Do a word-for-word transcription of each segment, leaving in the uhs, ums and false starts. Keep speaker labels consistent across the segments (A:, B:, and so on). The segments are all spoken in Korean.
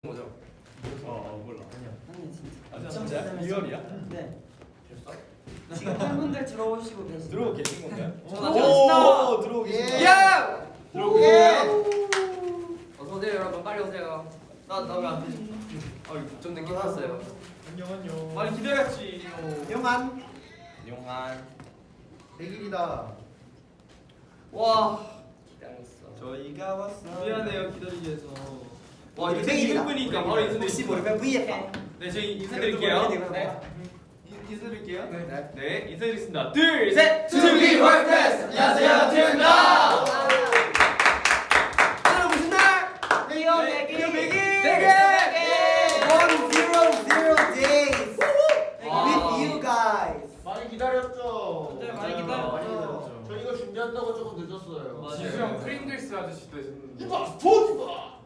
A: 뭐죠?
B: 어 몰라.
C: 아니요.
D: 아니 진짜.
B: 아 진짜? 리얼이야?
D: 네.
B: 됐어?
D: 지금 팬분들 들어오시고 계시죠?
B: 들어오고 계신 건가요?
A: 오,
B: 들어오고 계신
C: 예.
B: 건가요?
A: 야!
B: 들어오고
C: 예.
A: 어서 오세요 여러분, 빨리 오세요.
B: 나나 왜 안 되지?
A: 좀 늦게 왔어요.
B: 안녕 안녕.
A: 많이 기다렸지.
C: 영한
B: 용한.
C: 백 일이다.
A: 와, 기다렸어.
B: 저희가 왔어요.
A: 미안해요 기다리게 해서. 와 이거
C: 백 일이다.
A: 이백 분이니까 바로
C: 혹시
A: 인사드릴게요.
C: 모르면 브이에프.
A: 네 저희 인사드릴게요.
C: 네.
A: 인- 인사드릴게요.
C: 네.
A: 네 인사드리겠습니다. 둘 셋.
D: 투비 월드페스트! 안녕하세요, 투비입니다.
A: 오늘 무슨 날?
D: 리오
A: 네,
D: 백일!
A: 리오 백일!
D: 백일!
C: One zero zero days
A: 와.
C: with you guys.
E: 많이 기다렸죠.
D: 네,
A: 많이 기다렸죠. 많이 기다렸죠.
E: 저 이거 준비한다고 조금 늦었어요.
A: 맞아요.
F: 지수 형 프링글스 아저씨도 했었는데.
E: 이봐, 스포츠바.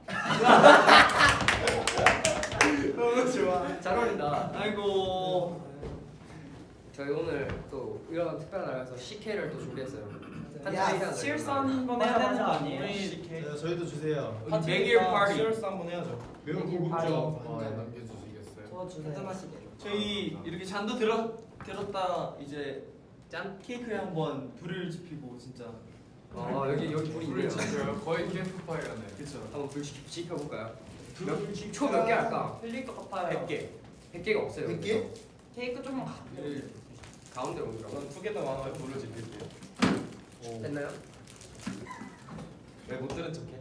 C: 너무 좋아.
A: 잘 어울린다. 아이고. 저희 오늘 또 이런 특별한 날에서 씨케이를 또 준비했어요. 한
C: 야,
A: 타임 해야 돼요.
D: 실수 한번 해야 되는 거 아니에요?
B: 네, 저희도 주세요.
A: 우리 백일 파티.
B: 시얼스 한번 해야죠.
E: 매우
D: 백일
E: 고급져.
D: 파이.
F: 한잔 남겨주시겠어요?
D: 저 주세요.
C: 한잔하시게.
G: 저희 이렇게 잔도 들어 들었다 이제
A: 짠.
G: 케이크에 한번 불을 지피고 진짜
A: 아 여기 여기 불이
F: 불을
A: 있네요.
F: 지펴요. 거의 캠프파이어네.
G: 그쵸.
A: 한번 불 지- 지펴볼까요? 초 몇 개 할까?
D: 흘릴 것 같아요.
A: 백 개. 백 개가 없어요.
C: 백 개?
D: 케이크 좀
A: 가운데로 옮기라고.
B: 두 개 더 많아요. 불을 지필게요.
A: 됐나요?
B: 왜 못 들은 척해?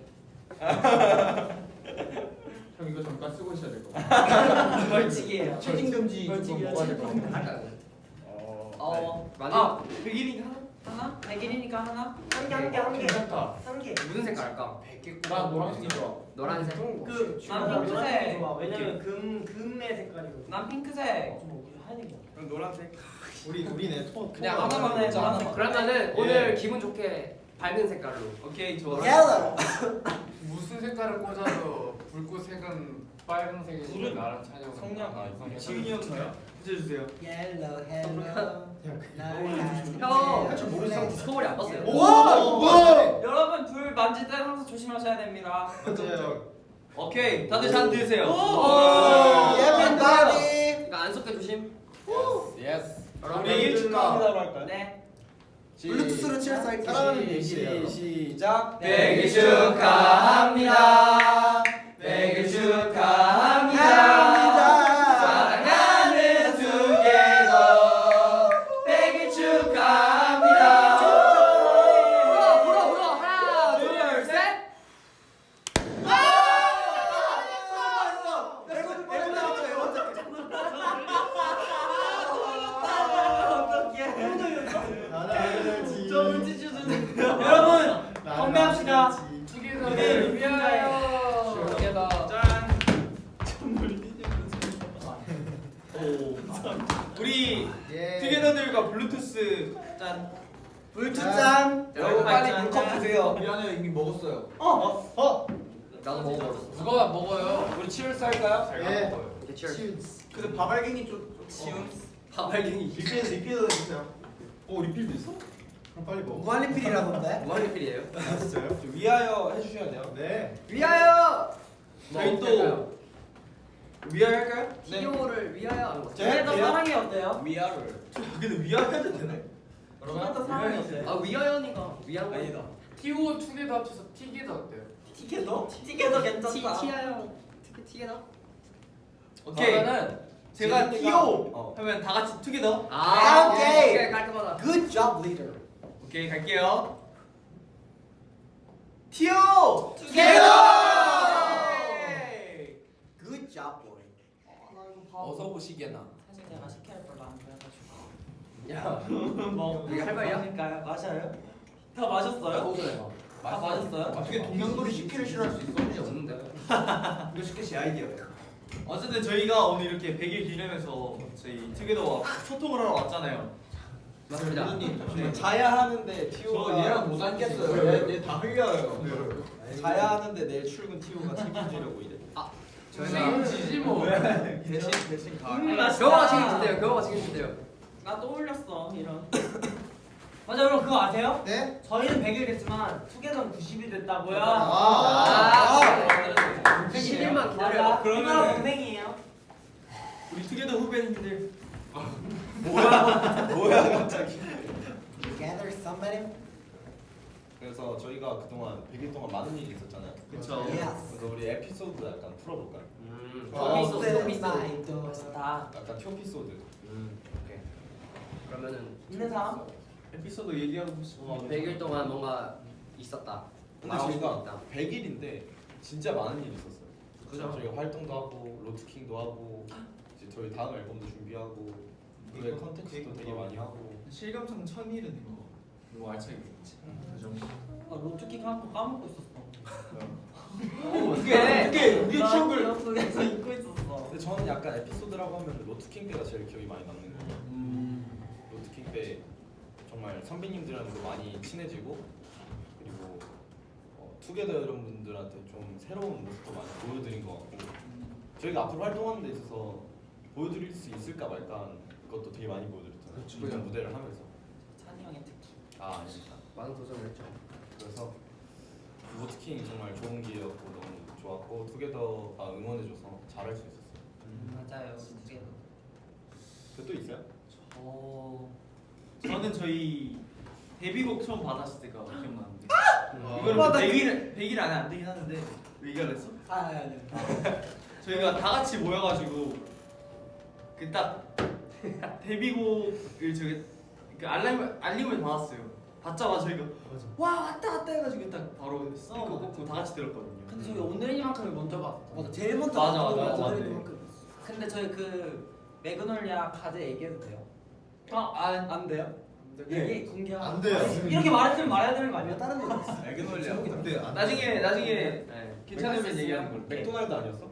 E: 형 이거 잠깐 쓰고 있어야 될 것 같아.
D: 벌칙이에요.
C: 채팅 금지 좀
D: 벌칙이요.
C: 먹어야 될 것 같아.
A: 할까요?
B: 어.
D: 어.
A: 많이.
G: 아 백일이니까 하나?
D: 하나? 백일이니까 하나?
C: 한 개, 한 개, 한 개.
E: 괜찮다.
C: 한 개.
A: 무슨 색깔 할까?
E: 나 노란색이 좋아.
A: 노란색.
D: 그, 난
C: 아,
D: 핑크색.
C: 좋아. 왜냐면 금 금의 색깔이거든.
D: 난 핑크색.
G: 그럼 노란색.
B: 우리 우리네 토.
D: 그냥
B: 토-
D: 하나만 해, 저 하나만.
A: 그러면은
B: 예.
A: 오늘 기분 좋게 밝은 색깔로.
G: 오케이 좋아.
C: Yellow.
F: 무슨 색깔을 꽂아도 불꽃 색은 빨간색이니까 나랑 찬영.
G: 성냥.
B: 아, 이상해.
G: 지훈이 형 저요? 붙여주세요.
C: Yellow, hello.
A: 형,
C: 저
A: 형 서울이 안 봤어요?
C: 오!
D: 여러분 불 만질 때 항상 조심하셔야 됩니다.
B: 맞아요.
G: 오케이 다들 잔 드세요.
C: Everybody.
A: 이거 안 섞여 조심.
F: 예스.
A: 여러분
G: 백일 축하합니다로 할까요?
D: 네.
C: 블루투스로 칠수 할게요.
B: 사랑하는 얘기예요.
G: 시작.
D: 백일
G: 축하합니다. 백일 축하합니다. 사랑하는 투게더. 백일 축하합니다.
A: 불어 불어 불어 하나 둘 셋.
D: 여러분 건배합시다.
F: 투게더를 위하여.
A: 두개다.
G: 짠. 우리
C: 예.
G: 투게더들과 블루투스 짠.
C: 불투짠.
A: 여러분 빨리 물컵 드세요.
E: 미안해요, 이미 먹었어요.
C: 어, 어.
A: 나도 먹어버렸어.
F: 누가 먹어요?
G: 우리 치얼스 할까요?
F: 제가
C: 예.
F: 먹어요.
A: 오케이, 치얼.
G: 근데 바발갱이 좀 치운.
A: 바발갱이.
B: 리필 리필도 해주세요. 오 리필도 있어? 그럼 빨리 먹어.
C: 무한리필이라던데.
A: 무한리필이에요.
B: 아, 진짜요?
G: 좀 위하여 해주셔야 돼요.
B: 네.
A: 위하여.
G: 저희
A: 뭐
G: 또
A: 어떨까요?
G: 위하여 할까요?
A: 티오를 위하여 하는 거.
D: 투게더 사랑이 어때요?
G: 위하를. 근데 위하여 해도 되네.
D: 투게더 사랑이 어때요?
A: 아 위하여니까 위하여.
G: 아니다.
F: 티오 투게더 합쳐서 티게더 어때요?
D: 티게더? 티게더
A: 티
D: 괜찮다.
A: 티하여. 티 티게더.
G: 오케이. 그러면은 제가
C: 재밌는
G: 티오
C: 거.
G: 하면 다 같이 투게더.
A: 아
C: 오케이.
A: 오케이 깔끔하다.
C: Good job, leader.
G: 오케이 갈게요. 티오
D: 투게더!
C: Good job, boy.
F: 어서 오시게나.
D: 사실 내가 시켜야 별로 안 좋아해가지고.
A: 야.
D: 뭐
A: 이게 할 말이야?
D: 마실까요? 마셔요? 다 마셨어요? 다 마셨어요?
E: 어떻게 동양돌이 시키를 싫어할 수 있어?
A: 문제 없는데.
G: 이거 쉽게 제 아이디어예요. 어쨌든 저희가 오늘 이렇게 백 일 기념해서 저희 투게더와 소통을 하러 왔잖아요.
A: 맞습니다.
G: 네.
B: 자야 하는데
E: 저
B: 티오가
E: 얘랑 못 앉겠어요. 얘 다 흘려요.
B: 자야 하는데 내일 출근 티오가 책임지려고 이래.
A: 저희가
F: 지지 뭐.
B: 대신 대신 가.
D: 음, 맛있다.
A: 겨우가 책임진대요. 겨우가 책임진대요.
D: 나 또 올렸어 이런. 맞아, 여러분 그거 아세요?
C: 네?
D: 저희는 백 일 됐지만 투게더는 구십 일 됐다고요.
C: 아.
A: 십 일만
D: 맞아.
A: 기다려.
G: 그러면은-
D: 누나 동생이에요.
G: 우리 투게더 후배님들
C: Together somebody?
B: 그래서 저희가 그동안 백 일 동안 많은 일이 있었잖아요.
G: 그쵸.
C: Yes.
B: 그래서 우리 에피소드 약간 풀어볼까요?
A: 음.
C: 어,
A: 토피소드
C: 네,
A: 토피소드.
C: 나이도.
D: 멋있다.
B: 약간 튜피소드.
A: 음. 오케이. 그러면은
D: 있는 사람?
G: 에피소드 얘기하고 싶어.
A: 백 일 동안 뭔가 있었다.
B: 근데
A: 말하고 싶은 게
B: 저희가
A: 있다.
B: 백 일인데 진짜 많은 일이 있었어요.
A: 그죠?
B: 저희가 활동도 하고 로드킹도 하고 이제 저희 다음 앨범도 준비하고 그외 컨텐츠도 되게 많이 하고.
G: 실감상 천 일은 이거 너무 알차게 보였지. 그 정도.
D: 아, 로트킥 한거 까먹고 있었어.
G: 어떻게 어떻게 우리
D: 나
G: 추억을
D: 기억 속에서 잊고 있었어.
B: 근데 저는 약간 에피소드라고 하면 로드킹 때가 제일 기억이 많이 남는 거예요.
G: 음.
B: 로드킹 때 정말 선배님들이랑도 많이 친해지고 그리고 어, 투게더 여러분들한테 좀 새로운 모습도 많이 보여드린 것 같고 저희가 앞으로 활동하는 데 있어서 보여드릴 수 있을까 말까 그것도 되게 많이 보여드렸잖아요.
A: 그쵸.
B: 이런 무대를 하면서.
D: 찬이 형의 특기.
B: 아 아닙니다.
A: 많은 도전을 했죠.
B: 그래서 로드킹 정말 좋은 기회였고 너무 좋았고 투게더가 응원해줘서 잘할 수 있었어요.
D: 맞아요. 투게더.
B: 그또 있어요?
G: 어. 저는 저희 데뷔곡 처음 받았을 때가 기억나는데.
A: 음.
G: 이거는
C: 와, 나
G: 백 일 백 일 안에 안 되긴 하는데 왜 얘기를 했어?
C: 아, 아니.
G: 저희가 다 같이 모여가지고 그 딱 데뷔곡을 저희 그 알림 알림을 받았어요. 받자마자 저희가 와 왔다 왔다 해가지고 딱 바로 스피커 꽂고 다 같이 들었거든요.
D: 근데 저희 오늘이만큼을 먼저 봤어.
C: 맞아, 제일 먼저
G: 맞아,
C: 봤던
G: 맞아,
C: 거
G: 맞아.
C: 오늘이만큼.
D: 근데 저희 그 매그놀리아 과제 얘기해도 돼요?
C: 아, 안 돼요?
D: 얘기 공개하.
B: 안 돼요.
D: 이렇게 말했으면 말해야 되는 거
C: 아니요,
D: 아니야?
C: 다른 거 있어.
B: 에그놀리아.
C: 근데
G: 나중에 나중에
A: 네.
G: 괜찮으면 얘기하는 걸로.
B: 맥도날드 아니었어?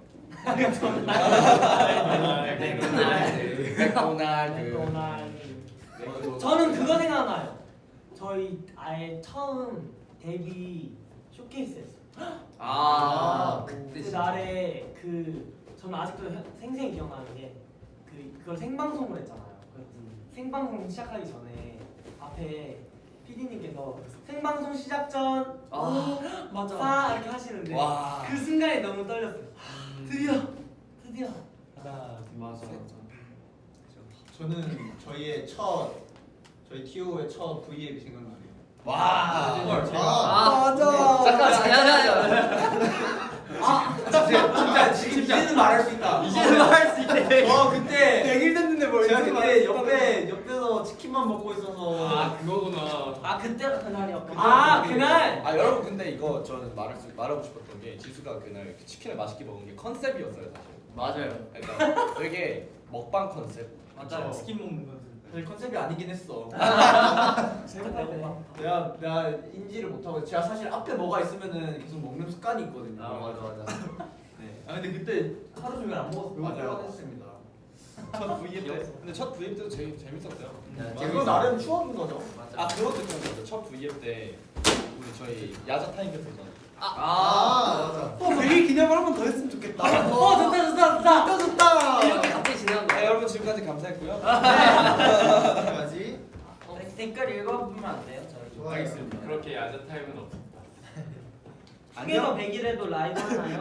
A: 맥도날드. 맥도날드.
D: 맥도날드. 저는 그거 생각나요. 저희 아예 처음 데뷔 쇼케이스 했어요.
G: 아,
A: 그때
D: 그 날에 그 저는 아직도 현- 생생히 기억나는 게 그 그걸 생방송을 했잖아요. 그 생방송 시작하기 전에 앞에 피디님께서 생방송 시작 전
A: 아,
D: 맞아 사 이렇게 하시는데
B: 와.
D: 그 순간이 너무 떨렸어요. 드디어 드디어
C: 하나,
G: 맞아
C: 셋.
G: 맞아.
E: 저는 저희의 첫 저희 티오의 첫 브이앱이 생각나네요.
B: 와.
E: 헐, 제가
A: 아,
C: 맞아.
A: 잠깐, 야야야.
E: 진짜 지금 이제는 말할 수 있다.
A: 이제는 말할 수 있대.
E: 저 그때
C: 백 일 됐는데 뭘
E: 제가
C: 이제
E: 그때
C: 말했다는
E: 옆에 옆에서 치킨만 먹고 있어서
F: 아 그거구나.
D: 아 그때가 그날이었고
E: 그때
D: 아
E: 그때.
D: 그날
B: 아 여러분 근데 이거 저는 말할 수 말하고 싶었던 게 지수가 그날 그 치킨을 맛있게 먹은 게 컨셉이었어요 사실.
G: 맞아요.
B: 그러니까 되게 먹방 컨셉.
G: 맞아요. 스킨 먹는 거.
E: 사실 컨셉이 아니긴 했어.
D: 진짜 배고파.
E: 내가 내가 인지를 못하고 제가 사실 앞에 뭐가 있으면은 계속 먹는 습관이 있거든요.
A: 아 맞아 맞아.
E: 네. 아 근데 그때 하루 종일 안 먹어서
B: 맞아요.
E: 배고팠습니다.
B: 첫 브이앱 때. 근데 첫 브이앱 때도 제일 재밌었어요.
A: 네,
E: 그거 나름 추억인 거죠.
A: 맞아.
B: 아 그것도 있었어요. 첫 브이앱 때 우리 저희 야자 타임 했었잖아요.
C: 아, 맞아. 어, 백 일 기념을 한 번 더 했으면 좋겠다.
D: 어 좋다 좋다 좋다.
C: 좋다, 좋다.
A: 이렇게 갑자기 진행한
B: 네,
A: 거야.
B: 여러분 지금까지 감사했고요.
C: 여기까지.
D: 어, 댓글 읽어보면 안 돼요? 저희 좀.
F: 알겠습니다. 그렇게 야자 타임은 없습니다.
D: 투게더 백 일에도 라이브 하나요?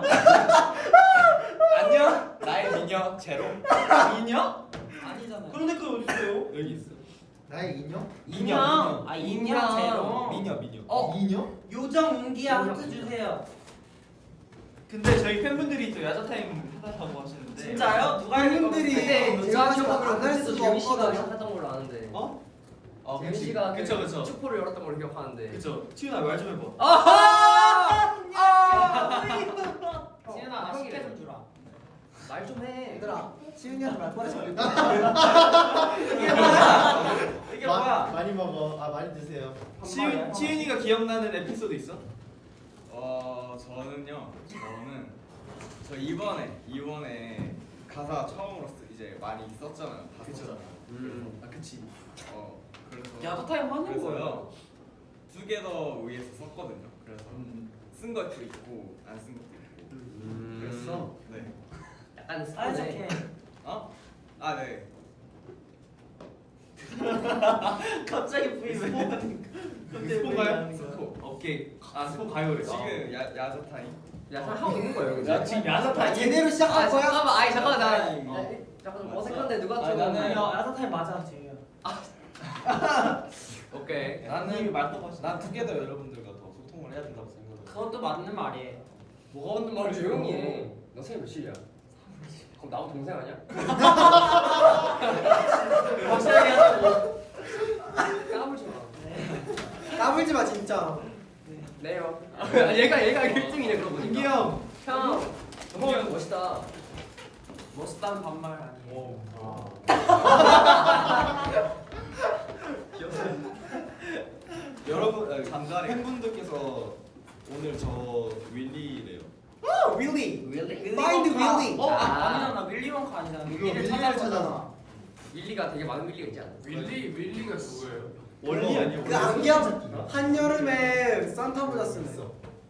B: 안녕. 나의 미녀 제로.
D: 인형? 아니잖아요. 그런 댓글 어디 있어요?
B: 여기 있어.
C: 나의 인형?
D: 인형. 아 인형 제로.
B: 미녀 미녀.
C: 어, 인형?
D: 요정 운기야 하트 주세요.
G: 근데 저희 팬분들이 또 야자 타임 해달라고 하시는데.
D: 진짜요? 누가
C: 팬분들이
A: 근데
C: 네,
A: 제가
C: 제가
A: 기억하기로
C: 안할
A: 그때도
C: 수가
A: 재민 씨가
C: 없거든요.
A: 하던 걸로 아는데.
G: 어? 아
A: 재민
G: 그치.
A: 씨가
G: 그쵸 그쵸.
A: 축포를 열었던 걸로 기억하는데.
G: 그쵸. 티윤아 말 좀 해봐.
A: 아하!
D: 지은아
A: 지은아,
D: 맛있게
A: 맛있게
D: 좀 주라.
A: 말 좀 해.
C: 얘들아, 치은이한테 말 뻔해서
G: 이게 뭐야? 이게 뭐야?
C: 많이 먹어. 아, 많이 드세요.
G: 치윤 치윤이가 기억나는 에피소드 있어?
H: 어 저는요 저는 저 이번에 이번에 가사 처음으로 쓰- 이제 많이 썼잖아요. 다
G: 그쵸.
H: 썼잖아요.
A: 음.
G: 아 그치.
H: 어 그래서
D: 야자 타임 하는 거예요.
H: 그래서요 투게더 위에서 썼거든요. 그래서
G: 음.
H: 쓴 것도 있고 안 쓴 것도 있고
A: 음.
H: 그랬어. 네.
A: 약간
D: 사이즈게.
H: 어? 아 네.
D: 갑자기 V 왜 하니까.
G: 스폰가요? 오케이. 아 스폰 가요래.
H: 지금 야 야자 타임.
A: 야, 사 하고 있는 거예요,
D: 야
A: 그죠?
D: 지금 야자타임.
C: 제대로 시작할
A: 아,
C: 거야?
A: 잠깐만, 아니 잠깐만 나.
D: 어.
A: 야, 잠깐 좀 어색한데 누가
D: 아니,
A: 좀.
D: 나는 야자타임 맞아 재우야.
A: 오케이.
B: 나는
D: 말도 하시.
B: 난 투게더 여러분들과 더 소통을 해야 된다고 생각해.
D: 그것도 맞는 말이에요.
A: 뭐가 없는 말을 조용히 해. 너 생일 몇일이야? 그럼 나하고 동생 아니야?
D: 확실하게 하자고.
A: 까불지 마.
C: 까불지 마 진짜.
A: 네요. 아, 얘가 얘가 일 등이네 그러고 보니까.
C: 민기 형.
A: 형. 형 멋있다.
D: 멋있다는 반말 아니에요.
B: 여러분 아, 팬분들께서 오늘 저 윌리래요.
C: 윌리.
A: Really?
C: Find Willy.
D: 어?
A: 아.
D: 아니잖아. 윌리 원카 아니잖아.
C: 이거
D: 윌리를
C: 윌리를
D: 찾아서
C: 찾아서.
A: 윌리가 되게 많은 윌리가 있지 않아?
F: 윌리 윌리가 누구예요?
B: 원리 아니에요?
C: 그 안경 한여름에 산타 모자 쓰는.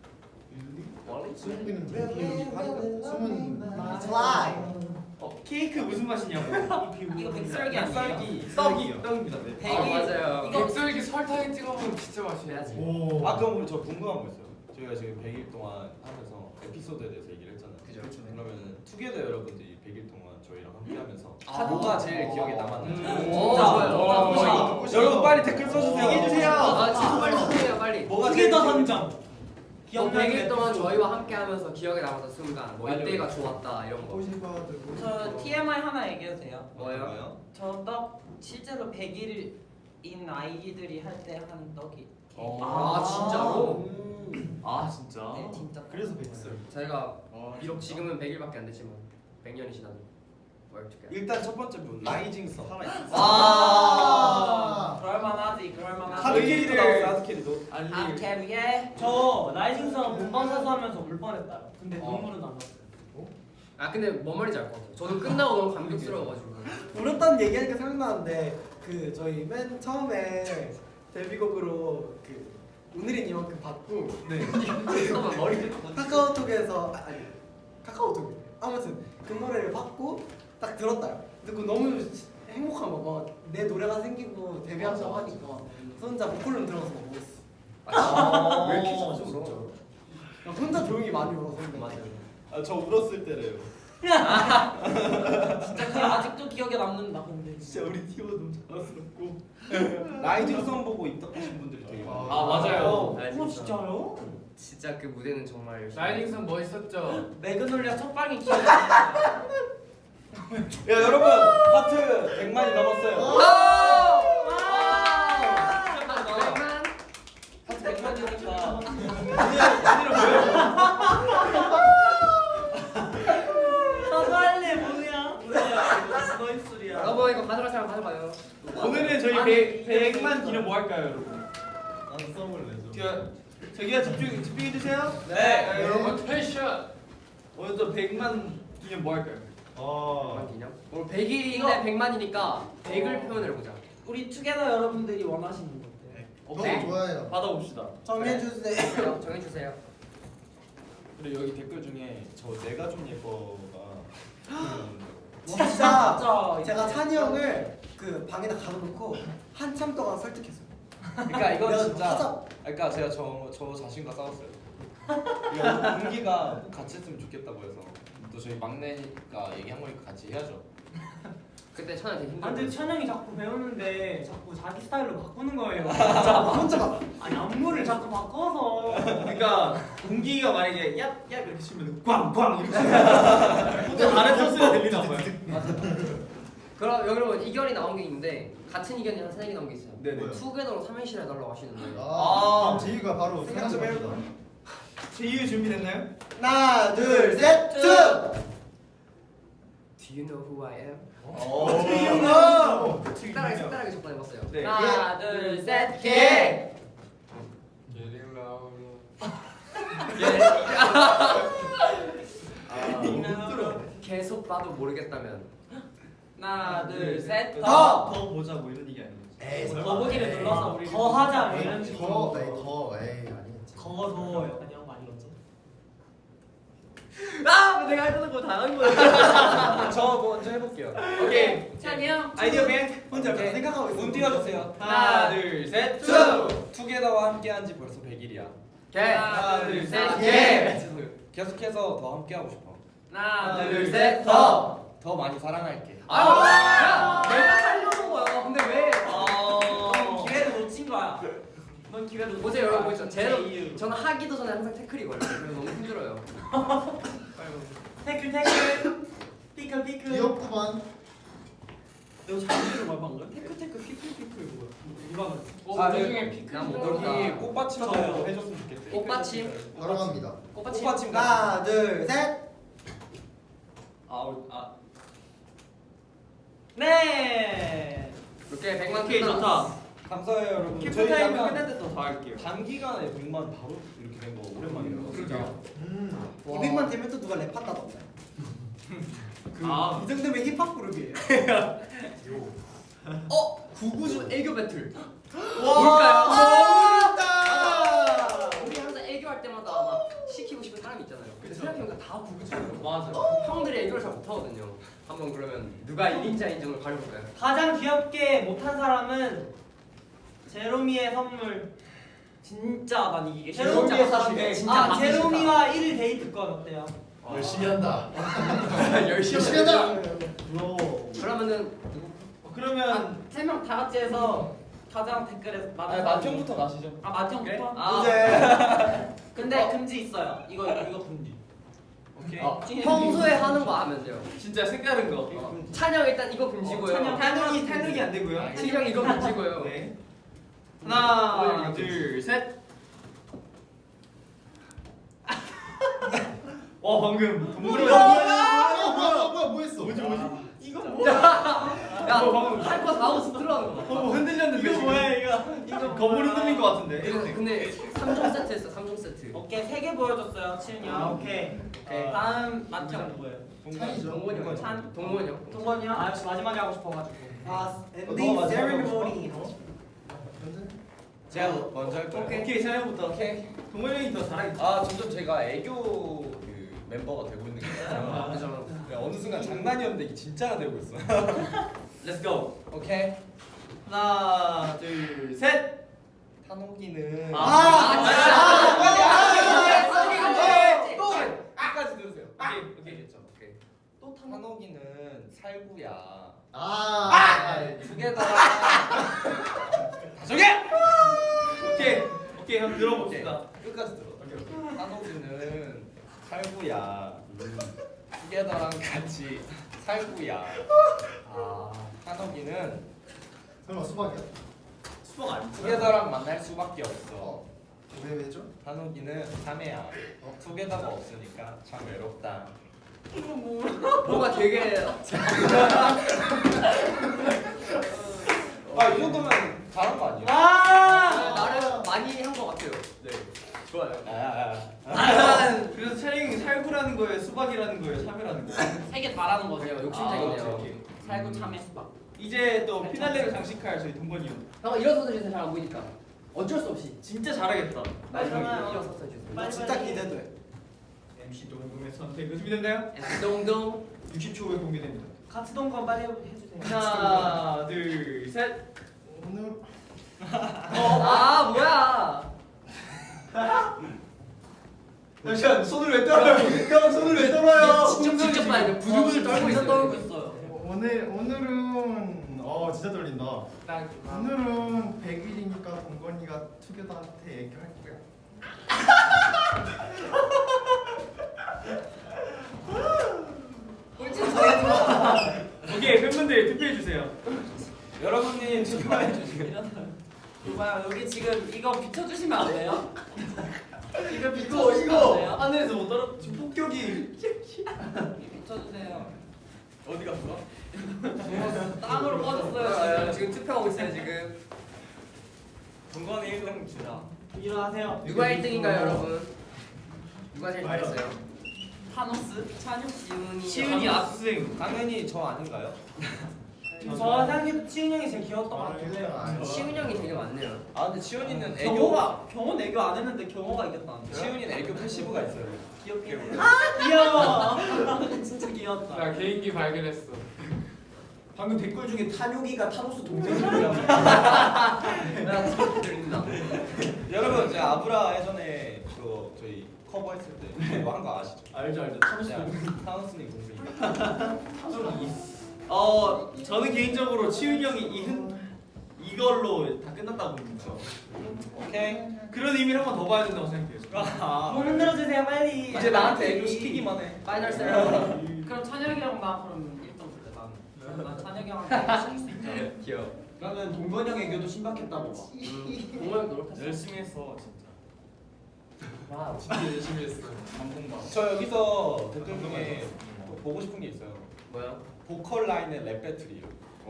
I: 수문이는 비행기 수문
C: 플라이.
G: 어 케이크 무슨 맛이냐고.
D: 이거 백설기 아니에요?
G: 백설기.
B: 떡이요.
G: 떡입니다. 네.
A: 아 맞아요.
D: 이거-
F: 백설기 설탕에 찍어 먹으면 진짜 맛있어야지.
I: 오.
B: 아 그럼 우리 저 궁금한 거 있어요. 저희가 지금 백 일 동안 하면서 에피소드에 대해서 얘기를 했잖아요.
A: 그죠.
B: 그러면은 투게더 여러분들이 백 일 동안 저희랑 함께하면서
A: 아.
B: 뭐가 제일 기억에 남았는지.
D: 음.
A: 오
D: 진짜.
A: 좋아요.
F: 어,
A: 좋아.
F: 이거
B: 어, 여러분 빨리 댓글 써주세요.
G: 얘기해주세요.
A: 아 진짜 빨리 소개해요 빨리.
B: 뭐가 제일
D: 투게더
B: 기억에
D: 선정.
A: 뭐 백 일 동안 저희와 함께하면서 기억에 남았던 순간, 뭐
B: 맞아요.
A: 이때가 좋았다 이런 거.
I: 오십아들.
D: 저 티엠아이 하나 얘기해도 돼요?
B: 뭐예요?
A: 뭐예요?
D: 저 떡 실제로 백 일인 아이들이 할 때 하는 떡이.
B: 어.
A: 아 진짜로?
G: 아 진짜.
D: 네 진짜.
C: 그래서 백설.
A: 저희가
B: 아,
A: 비록 지금은 백 일밖에 안 됐지만 백 년이 지나도 뭐 어떻게?
B: 일단 첫 번째 분 라이징 선.
C: 아.
D: 그럴만하지 그럴만하지.
B: 하드캐리도 나왔어요. 하드캐리도.
G: 아니
D: 하드캐리에 저 라이징선 본방사수 하면서 울 뻔했다. 근데
A: 어.
D: 눈물은 안 났어요.
A: 아 근데 뭔 말인지 알 것 같아요. 저도 끝나고 너무 감격스러워가지고.
C: 울었다는 얘기하니까 생각나는데 그 저희 맨 처음에 데뷔곡으로 그 오늘은 이만큼 받고
A: 잠깐만 머리 뜯고.
C: 카카오톡에서 아, 아니 카카오톡 아무튼 그 노래를 받고 딱 들었다요. 듣고 너무 행복한 거, 막 내 노래가 생기고 데뷔한다고 하니까 그래서 혼자 보컬룸 들어가서 막 울었어.
A: 아,
C: 왜 이렇게 자주 울어? 나 혼자 조용히 많이 울어서 근데.
A: 맞아요.
B: 아저 울었을 때래요.
D: 진짜 그게 아직도 기억에 남는다. 근데
B: 진짜 우리 티오 너무 자랑스럽고. 라이징 선 보고 입덕하신 분들이 되게 많아요.
G: 아 맞아요.
D: 어,
A: 아,
D: 어
A: 진짜.
D: 진짜요?
A: 진짜 그 무대는 정말 열심히.
F: 라이딩선 멋있었죠.
D: 매그놀리아 첫 방이 기억이 나.
B: 야 여러분 하트 백만이 넘었어요.
A: 백만.
D: 하트 백만이니까. 사과할래 뭐야? 뭐야? 너 입술이야.
A: 여러분 이거 가져갈 사람 가져가요.
G: 오늘은 저희 백 백만 기념 뭐 할까요, 여러분?
B: 나는 써볼래.
G: 저기요, 저기요 집중 집중해 주세요.
F: 네, 여러분 텐션.
G: 오늘 또 백만 기념 뭐 할까요?
B: 아.
A: 백만 기념? 오늘 백 일인데 백만이니까 백을 표현을 해보자.
D: 우리 투게더 여러분들이 원하시는 것들.
I: 너무
A: 네.
I: 좋아요.
G: 받아봅시다.
C: 정해주세요.
A: 정해주세요.
B: 그리고 여기 댓글 중에 저 내가 좀 예뻐가
C: 진짜
D: 진짜
C: 제가 찬이 형을 그 방에다 가둬놓고 한참 동안 설득했어요.
B: 그러니까 이건
C: 내가
B: 진짜
C: 하자.
B: 그러니까 제가 저, 저 자신과 싸웠어요. 이거 공기가 꼭 같이 했으면 좋겠다고 해서 또 저희 막내가 얘기한 거니까 같이 해야죠.
A: 그때 천연 되게
D: 아, 근데
A: 힘들었어.
D: 천영이 자꾸 배우는데 자꾸 자기 스타일로 바꾸는 거예요.
C: 진짜 혼자 막
D: 아니 안무를 자꾸 바꿔서.
G: 그러니까 공기가 만약에 얍얍 이렇게 치면 꽝꽝 이렇게 치면 또 다른 소스가 들리나 봐요.
A: 그럼 여러분 이견이 나온 게 있는데 같은 이견이 한 세 개 나온 게 있어요.
G: 네네.
A: 투게더로 삼행시를 해달라고 하시는데.
I: 아, 제이가 바로
C: 생각 좀
I: 생각해봅시다.
G: 제이유 준비됐나요?
C: 하나 둘셋 쭉.
A: Do you know who I am?
C: 오.
A: 색다르게 색다르게 접근해봤어요.
G: 네.
D: 하나 둘셋
C: 개.
F: Getting louder.
B: 못 들어.
A: 계속 봐도 모르겠다면.
D: 하나 둘셋
C: 더.
G: 더 보자 뭐 이런 얘기 아니에요?
C: 에이
D: 더보기를 눌러서 우리 더 하자 뭐 이런
I: 더,
D: 식으로.
I: 에이, 더, 에이, 아니겠지.
D: 더더 약간 이런 거 아니겠지?
A: 아! 내가 했던 거 다 한 거야.
B: 저 저 먼저 해볼게요.
G: 오케이.
D: 찬이 형.
G: 아이디어 뱅.
C: 혼자
B: 오케이.
C: 생각하고 있어.
B: 운 띄워주세요.
G: 하나, 둘, 셋.
B: 투! 투게더와 함께한 지 벌써 백 일이야.
A: 오케이.
G: 하나, 둘, 셋.
A: 예.
B: 계속해서 더 함께하고 싶어.
D: 하나,
G: 둘,
D: 둘,
G: 셋.
D: 셋.
B: 더! 더 많이 사랑할게.
A: 아유, 야, 내가 하려는 거야. 근데 왜?
D: 넌 기회를 놓친 거야. 넌 기회를 놓친
A: 보세요,
D: 거야.
A: 여러분 보시죠. 제로,
D: 제 이유.
A: 저는 하기도 전에 항상 태클이 걸려요. 그래서 너무 힘들어요.
D: 태클 태클. 피클 피클.
I: 귀엽구만.
D: 내가 잘못된 말 방금? 태클 태클 피클 피클 뭐야? 누가 그랬어?
F: 어,
A: 아,
F: 우리
A: 네.
F: 중에 피크
A: 난못
B: 여기
A: 들었다.
B: 꽃받침도
D: 저요.
B: 해줬으면 좋겠대.
A: 꽃받침.
I: 바로 갑니다.
A: 꽃받침.
B: 꽃받침
C: 하나, 둘, 셋.
G: 아우, 아.
D: 네.
A: 이렇게 백만
G: 오케이, 좋다.
B: 감사해요 여러분.
G: 키프
B: 저희
G: 타임
B: 약간
G: 끝날 때더 할게요.
B: 단기간에 백만 바로 이렇게 된 거 오랜만이에요.
F: 그러게요.
I: 음.
C: 이백만 되면 또 누가 랩한다던데.
G: 아,
C: 이 정도면 힙합 그룹이에요.
A: 어? 구구주 애교 배틀.
C: 뭘까요?
A: 아, 우리 항상 애교할 때마다 막 시키고 싶은 사람이 있잖아요. 근데 생각해보니까 다 구구주예요.
G: 맞아.
A: 형들이 애교를 잘 못하거든요. 한번 그러면 누가 일 인자 인정을 가려볼까요?
D: 가장 귀엽게 못한 사람은 제로미의 선물. 진짜 난 이기기 싫어.
A: 제로미의 사실 진짜
D: 아
A: 받기 싫다.
D: 제로미와 일 데이트권 어때요?
I: 열심히 한다.
A: 열심히
I: 열심히
A: 하자.
I: 한다. 브로.
A: 그러면은
G: 그러면
D: 세 명 다 같이 해서 가장 댓글에
B: 아,
D: 많은
B: 맏형부터 가시죠.
D: 아 맏형부터?
G: 그래?
D: 아
C: 이제
D: 근데 금지 있어요. 이거 이거 금지.
G: 오케이.
A: 어, 평소에 하는 거 하면 돼요.
G: 진짜 색다른 거.
A: 어, 찬영 일단 이거 금지고요.
D: 찬영.
G: 탄력이 탄력이 안 되고요.
A: 찬영 이거 금지고요.
G: 네.
A: 어,
G: 하나,
A: 이거
G: 둘, 셋. 와 방금 동물원.
I: 뭐야 뭐야 뭐야 뭐 했어? 뭐지 뭐지?
D: 이거
A: 야, 할 거 다 하고 들어가는 거.
G: 어 흔들렸는데
D: 이거 뭐야 이거?
G: 이거 거물 흔들린 것 같은데.
A: 이거 근데 삼 종 세트 했어. 삼 종 세트.
D: 오케이 세 개 보여줬어요 치은이 형. 오케이.
A: 오케이.
D: 다음 맏형 누구예요?
I: 찬이죠.
A: 동건이 형.
D: 찬?
A: 동건이 형.
D: 동건이 형? 아 역시 마지막에 하고 싶어가지고.
C: 아
B: 너
C: 엔딩
B: 마지막에
C: 세리머니.
B: 제가 먼저 할까요?
G: 오케이 오케이 사연부터.
B: 오케이.
G: 동물 형이 더 잘하겠다.
B: 아 점점 제가 애교 그 멤버가 되고 있는 게 있어요.
A: 그죠.
B: 그냥 어느 순간 장난이었는데 이게 진짜가 되고 있어.
G: Let's go.
B: 오케이.
G: 하나, 둘, 셋.
B: 탄옥이는
G: 아,
A: 아,
B: 아,
A: 또
B: 끝까지 들으세요.
G: 오케이,
B: 오케이 됐죠. 오케이.
A: 또
B: 탄옥이는 살구야.
I: 아.
B: 두 개 다.
G: 저게. 오케이 오케이 형 들어봅시다.
B: 끝까지 들어. 탄옥이는 살구야. 투게더랑 같이 살구야. 아, 탄옥이는
I: 설마 수박이야?
G: 수박 아니야?
B: 투게더랑 만날 수밖에 없어.
I: 어. 왜 왜죠?
B: 한옥이는 참외야. 투게더가 없으니까 참 외롭다.
A: 뭔가 되게
B: 아 이 정도면 잘한 거 아니에요?
D: 아.
A: 나름 많이 한 것 같아요.
B: 네. 좋아요. 아, 아, 아.
G: 아, 그래서 촬영이 살구라는 거예요, 수박이라는 거예요, 참외라는 거예요.
D: 세개 말하는 거죠.
A: 그래요,
B: 아,
A: 욕심쟁이네요.
B: 오케이, 오케이.
D: 살구 참외 수박.
G: 이제 또 피날레를 장식할 저희 동건이 형.
A: 형 일어서서 주세요. 잘 안 보이니까. 어쩔 수 없이.
G: 진짜 잘하겠다.
A: 마지막에 일어서서 주세요.
C: 나 진짜 기대돼.
G: 엠씨 동동의 선택 준비됐나요?
A: 동동.
G: 육십 초 후에 공개됩니다.
D: 같이 동건 빨리 해주세요.
G: 하나, 둘, 셋.
I: 오늘
A: 아 뭐야?
G: 잠시만 손을 왜 떨어요? 형 손을 왜 떨어요?
A: 직접 직접 봐야 돼. 부들부들 떨고 있어요.
D: 떨고 있어요.
I: 오늘 오늘은 어 진짜 떨린다.
G: 나
I: 오늘은 백 일이니까 동건이가 투게더한테 얘기할 거야.
G: 오케이 팬분들 투표해 주세요.
B: 여러분이 투표해 주시면
D: 이봐요 여기 지금 이거 비춰주시면 안 돼요? 이거
G: 이거
D: 비춰주시면 안
G: 이거
D: 돼요?
G: 하늘에서 못 떨어. 지금 폭격이
D: 비춰주세요.
G: 어디 갔어?
D: 땅으로
A: 아,
D: 꺼졌어요.
A: 지금 투표하고 있어요 지금.
B: 동건이 일 등 주자.
D: 일어나세요.
A: 누가 일 등인가요 여러분? 누가 제일 잘했어요?
D: 타노스, 찬육,
A: 지훈이.
G: 시은이 압승.
B: 당연히 저 아닌가요?
D: 저 생각해도 치은 형이 제일 귀여웠던 것 같긴 해요.
A: 시훈 형이 되게 많네요.
B: 아 근데 치훈이는 애교
D: 경호가 경호 애교 안 했는데 경호가 이겼다는데.
B: 치훈이는 애교 패시브가 있어요.
D: 귀엽게 아 귀여워. 진짜 귀엽다.
F: 나 개인기 발견했어.
E: 방금 댓글 중에 탄용이가 타노스 동생이라고.
A: 나 소리 들린다.
B: 여러분 제가 아브라 예전에 그 저희 커버했을 때 그거 한 거 아시죠?
E: 알죠 알죠. 타노스
B: 그냥
E: 동생.
B: 타노스님 동생이니까.
G: 어 저는 개인적으로 치윤이 형이 이흔 이걸로 다 끝났다고 봅니다.
B: 오케이.
G: 그런 의미를 한 번 더 봐야 된다고 생각해요.
D: 몸 흔들어 주세요 빨리.
B: 이제 나한테 애교 시키기만 해.
A: 파이널 세레머니.
D: 그럼 찬혁이 형나 그럼 일 점 줄래 난. 난 찬혁이 형한테 쓸수 있잖아.
A: 귀여워.
E: 나는 동건이 형 애교도 신박했다고 봐.
A: 공연 노력했어.
H: 열심히 했어 진짜.
D: 와우.
F: 진짜 열심히 했어.
H: 감동받아.
B: 저 여기서 댓글 중에 또 보고 싶은 게 있어요.
A: 뭐야?
B: 보컬 라인의 랩 배틀이요.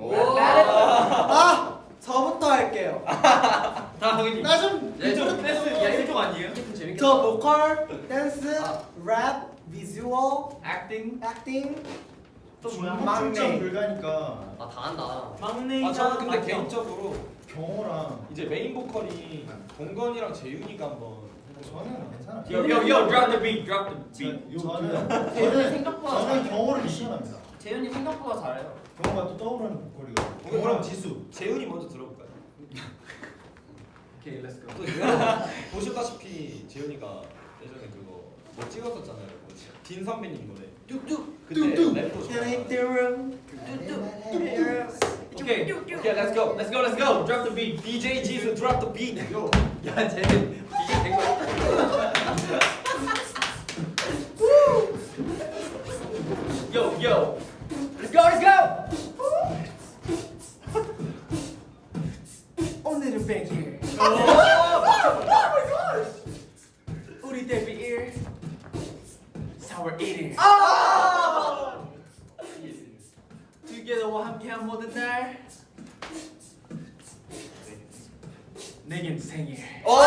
C: 아 저부터 할게요.
G: 다 하긴.
C: 나좀
G: 일종 댄스 야 일종 아니에요?
A: 재밌겠다.
C: 저 보컬, 댄스,
A: 아.
C: 랩, 비주얼,
G: 액팅.
C: 액팅.
D: 또 뭐야?
I: 막내 불가니까
A: 아, 다 한다.
D: 막내
B: 아 저는 근데
D: 맞죠?
B: 개인적으로
I: 경호랑
B: 이제 메인 보컬이 동건이랑 재윤이가 한번
I: 저는 괜찮아요.
G: Yo yo yo drop the beat, drop the beat.
I: 저, 저는
D: 재윤이
I: 저는
D: 생각보다
I: 저는
D: 잘해.
I: 경호를 미션합니다.
D: 재윤이 생각보다 잘해요.
I: 경호가 또 떠오르는 보컬이고 경호랑 지수.
B: 재윤이 먼저 들어볼까요?
E: 오케이 렛츠고.
B: 또 여러분 보셨다시피 재윤이가 예전에 그거 뭐 찍었었잖아요. 뭐지? 딘 선배님 노래.
C: 뚝뚝
B: 그때
C: 뚝뚝.
B: 랩도 좋아요.
G: 오케이 오케이 let's go let's go let's go drop the beat.
B: 디제이 지수 drop the beat.
A: 야, 쟤는 디제이 된 거야.
G: Yo yo.
A: Let's go, let's go.
C: 오늘은 백일. 우리 데뷔 일. 사월 일일.
G: Together와 함께한 모든 날. 내겐 생일.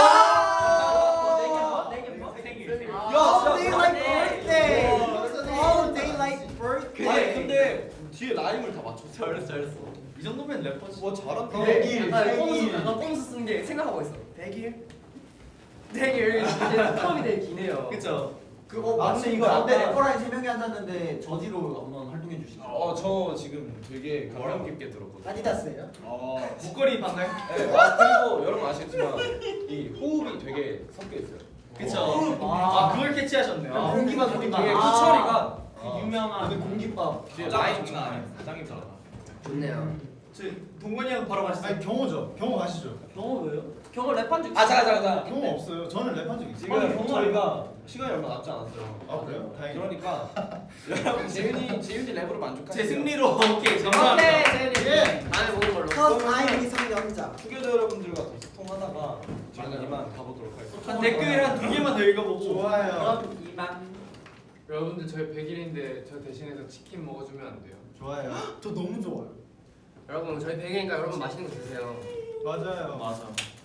G: 생일.
C: All day like birthday. All day like birthday.
B: 아니 근데 뒤에 라임을 다 맞췄어.
G: 잘했어 잘했어. 이 정도면 래퍼지.
B: 와 잘한다.
C: 백일.
A: 약간 꼼수,
C: 백일.
A: 약간 꼼수 쓰는 게 생각하고 있어. 백일. 백일. 이제 텀이 되게 기네요.
G: 그쵸.
C: 그거
E: 아 근데 이거 앞에
C: 아까
E: 래퍼라인 세 명이 앉았는데 저지로 한번 활동해 주시죠.
B: 어저 지금 되게 감명 깊게 들었거든요.
C: 아디다스예요?
B: 어.
G: 목걸이 봤나요?
B: 네, 아, 그리고 여러분 아시겠지만 이 호흡이 되게 섞여 있어요.
G: 그쵸.
C: 아.
G: 아 그걸 캐치하셨네요.
C: 아, 공기만 공기만.
B: 이게
C: 아.
B: 후처리가
D: 그 유명한
E: 오늘 공깃밥.
B: 뒤에
H: 아,
B: 라임
H: 장난 아니야.
B: 짱이잖아.
A: 좋네요.
G: 저 동건이 형 바로 가시죠.
I: 아니 경호죠. 경호 가시죠.
D: 경호 왜요? 경호 랩한 적
B: 아 잠깐 잠깐 잠깐.
I: 경호 없어요. 저는 랩한 적 있어요.
B: 지금
D: 아니, 경호
B: 저희가 시간이 얼마 남지 않았어요.
I: 아 그래요? 다행이다.
B: 그러니까 여러분 재윤이 재윤이 랩으로 만족하세요.
G: 제 승리로 오케이
A: 오케이,
G: 감사합니다.
A: 재현이.
I: 예.
A: 다음에 보는 걸로.
C: Cause I'm 미성년자.
B: 투게더 여러분들과 더 소통하다가 지금 이만 가보도록 하겠습니다.
G: 한 댓글 한 두 개만 더 읽어보고.
I: 좋아요.
D: 그럼 이만.
F: 여러분들 저희 백일인데 저 대신해서 치킨 먹어주면 안 돼요?
I: 좋아요.
C: 저 너무 좋아요.
A: 여러분, 저희 백일이니까 여러분 맛있는 거 드세요.
I: 맞아요.
G: 맞아.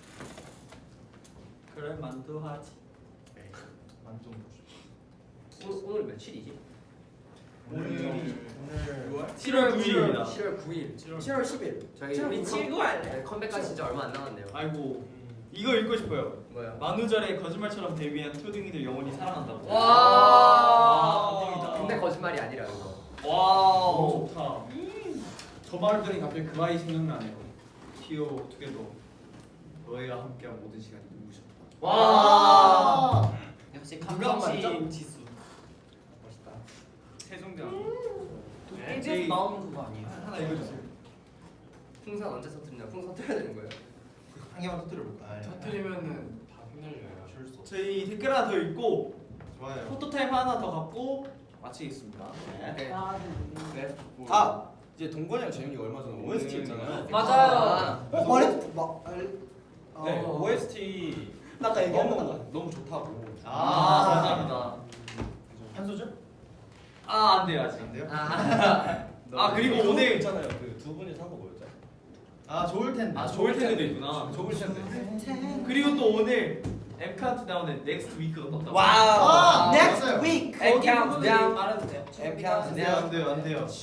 D: 그래 만두 하지.
I: 만점.
A: 오늘, 오늘 며칠이지?
I: 오늘 오늘
G: 칠월 구일입니다.
A: 칠월 구일.
C: 칠월 십일.
A: 저희
C: 칠월
A: 우리
C: 구일.
A: 친구 네, 컴백까지 진짜 얼마 안 남았네요.
G: 아이고 이거 읽고 싶어요.
A: 뭐야?
G: 만우절에 거짓말처럼 데뷔한 초등이들 영원히 사랑한다고.
A: 와.
G: 와, 감동이다.
A: 근데 거짓말이 아니라 이거.
G: 와우.
E: 좋다. 저 말을 들으니 갑자기 그 아이 생각나네요. 티오 투게더 너희와 함께한 모든 시간이 눈부셨다.
A: 와.
D: 역시
C: 누가
D: 감성심 지수.
E: 멋있다.
H: 세종대왕.
D: 도깨비에서 나오는 그거 아니에요?
E: 하나 읽어주세요.
A: 풍선 언제 터뜨리냐? 풍선 터야 되는 거예요.
I: 한 개만 터뜨려 볼까?
F: 터트리면은 다 휘날려요.
G: 저희 댓글 하나 더 읽고
I: 좋아요.
G: 포토타임 하나 더 갖고 마치겠습니다.
A: 네.
D: 아,
B: 아 이제 동건이랑 재윤이가 얼마 전에 오에스티 했잖아요.
A: 맞아요.
C: 어 말해 막 알.
B: 네
C: 어.
B: 오에스티
C: 나 아까 얘기했던 거.
B: 너무 너무 좋다고.
G: 아, 감사합니다.
I: 한 소절?
G: 아, 안 돼요, 아직.
I: 안 돼요?
A: 아.
G: 아, 그리고 오늘
B: 있잖아요. 그 두 분이 산 거 뭐였죠?
I: 아 좋을 텐데.
G: 아, 좋을 텐데도 있구나.
B: 좋을 텐데.
G: 그리고 또 오늘 M 카운트다운에 넥스트 위크가 떴다고.
B: 와우.
C: 아,
I: 아,
C: next
I: 맞아요.
C: week.
A: M countdown.
D: 말해도 돼요?
B: M
I: 안 돼요 안 돼요 안 돼요.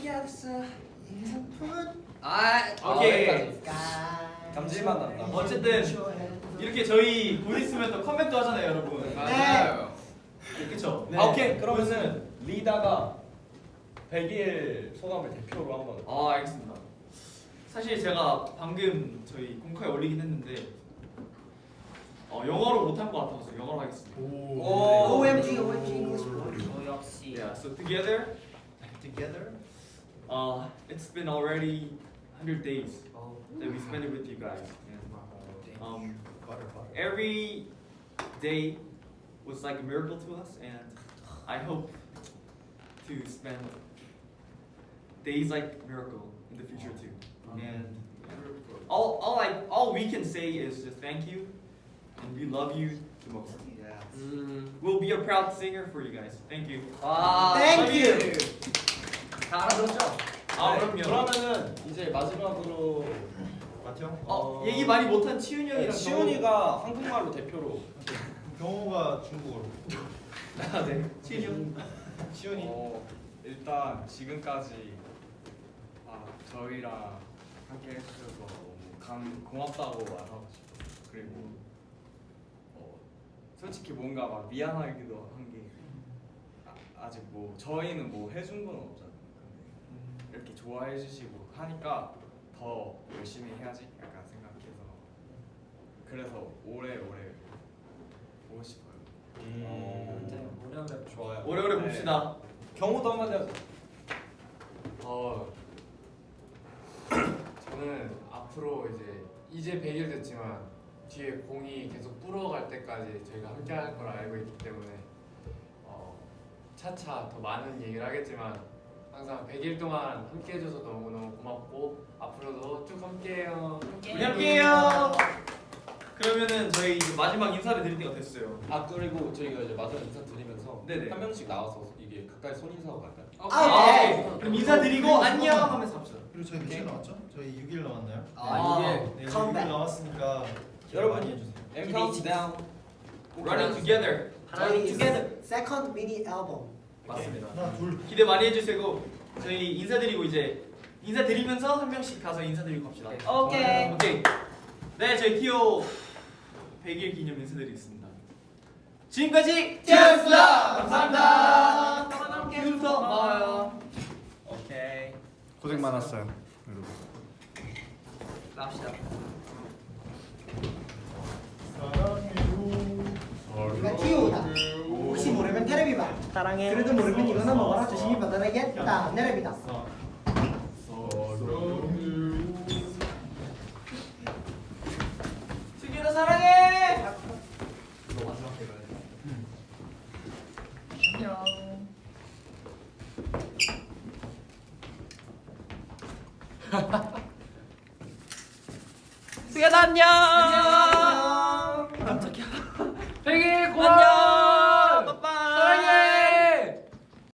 A: 아.
G: 오케이.
A: 여기까지.
B: 감질만 난다.
G: 어쨌든 이렇게 저희 곧 있으면 또 컴백도 하잖아요, 여러분.
F: 맞아요.
B: 그쵸?
C: 네.
B: 아 오케이 그러면은 리다가 백 일 소감을 대표로 한번.
G: 아 알겠습니다. 사실 제가 방금 저희 공카에 올리긴 했는데 어, 영어로 못한 것 같아서 영어로 하겠습니다.
C: 오. 오엠지 오엠지 English boy.
A: 어, 역시.
G: Yeah, so together,
B: Together.
G: uh, it's been already one hundred days
A: 어.
G: that we spent it with you guys. And, um,
B: Butter, butter.
G: every day was like a miracle to us, and I hope to spend days like miracle in the future too. And all, all I, all we can say is just thank you, and we love you the most.
A: 음.
G: We'll be a proud singer for you guys. Thank you.
A: 와.
C: Thank you.
A: 다 알아들었죠?
G: 아
B: 네,
G: 그럼요.
B: 그러면은 이제 마지막으로
I: 맞죠?
G: 어, 얘기 많이 못한 치훈이 형이랑
B: 네, 시훈이가 한국말로 대표로.
I: 경호가 중국어로.
G: 아, 네. 치훈이 형.
B: 시훈이.
H: 어, 일단 지금까지 아, 저희랑 함께 해주셔서 너무 감, 고맙다고 말하고 싶어요. 그리고 어, 솔직히 뭔가 막 미안하기도 한 게 아, 아직 뭐 저희는 뭐 해준 건 없잖아요. 근데 이렇게 좋아해 주시고 하니까 더 열심히 해야지 약간 생각해서 그래서 오래오래 보고 싶어요.
B: 음.
A: 오래오래.
B: 좋아요.
G: 오래오래
H: 네.
G: 봅시다.
B: 경호도 한마디 하자.
F: 어 저는 앞으로 이제 이제 백 일 됐지만 뒤에 공이 계속 불어갈 때까지 저희가 함께 할 걸 알고 있기 때문에 어 차차 더 많은 얘기를 하겠지만 항상 백 일 동안 함께 해줘서 너무너무 고맙고 앞으로도 쭉 함께해요.
G: 우리 함께해요. 그러면은 저희 이제 마지막 인사를 드릴 때가 됐어요.
B: 아 그리고 저희가 이제 마지막 인사 드리면서
G: 네네.
B: 한 명씩 나와서 이게 가까이 손 인사하고 갈까요?
C: 아,
G: 네. 그럼 인사드리고 안녕 하면서 합시다.
I: 그리고 저희 며칠 남았죠? 저희 육 일 남았나요?
C: 아,
A: 이게
I: 네, 육 일
C: 컴백.
I: 남았으니까 기대
B: 여러분.
I: 많이 해주세요.
B: And countdown.
G: Running together.
C: 저희
G: together.
C: 세컨드 미니 앨범.
G: 맞습니다.
I: 하나 둘.
G: 기대 많이 해주시고 저희 인사드리고 이제 인사드리면서 한 명씩 가서 인사드리고 갑시다.
A: 오케이.
G: 오케이. 네, 저희 티오 백 일 기념 인사드리겠습니다. 지금까지 티오였습니다. 감사합니다. 지금부터 고마워요.
H: 오케이.
I: 고생 많았어요, 여러분.
A: 나옵시다.
C: 우리가 티오다. 혹시 모르면 테레비봐. 사랑해. 그래도 모르면 이거나 먹어라. 조심히 받아내겠다. 내레비다.
G: 승기도 사랑해.
A: 승현아 안녕.